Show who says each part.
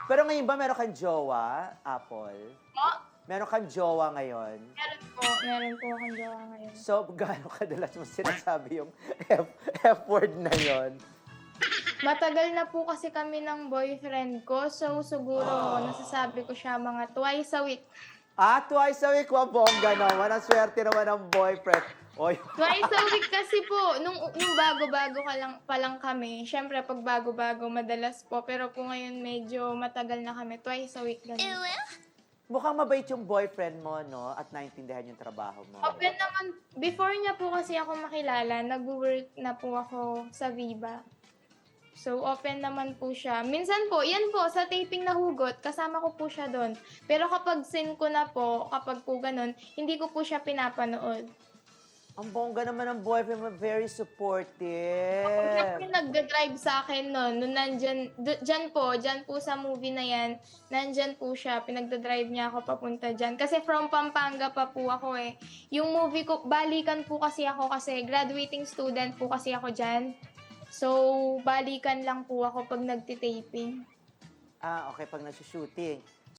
Speaker 1: Pero ngayon ba meron kang jowa, Apple?
Speaker 2: Po?
Speaker 1: Meron kang jowa ngayon?
Speaker 2: Meron po akong jowa ngayon.
Speaker 1: So, gaano kadalas mo sinasabi yung F-word na yon?
Speaker 2: Matagal na po kasi kami ng boyfriend ko, so siguro nasasabi ko siya mga twice a week.
Speaker 1: Twice a week, bongga naman. Ang swerte naman ng boyfriend. Oy.
Speaker 2: Twice a week kasi po, nung bago-bago pa lang kami, syempre pag bago-bago madalas po, pero po ngayon medyo matagal na kami, twice a week ganun.
Speaker 1: Mukhang mabait yung boyfriend mo, no? At naintindihan yung trabaho mo.
Speaker 2: Open naman, before niya po kasi ako makilala, nag-work na po ako sa Viva. So, open naman po siya. Minsan po, yan po, sa taping na hugot, kasama ko po siya doon. Pero kapag sin ko na po, kapag po ganun, hindi ko po siya pinapanood.
Speaker 1: Ang bongga naman ng boyfriend mo, very supportive.
Speaker 2: Siya po yung nagda-drive sa akin noon. Nung nandyan, dyan po sa movie na yan, nandyan po siya, pinagda-drive niya ako papunta dyan. Kasi from Pampanga pa po ako eh. Yung movie ko, balikan po kasi ako kasi graduating student po kasi ako dyan. So, balikan lang po ako pag nagtitaping.
Speaker 1: Okay, pag nag-shooting.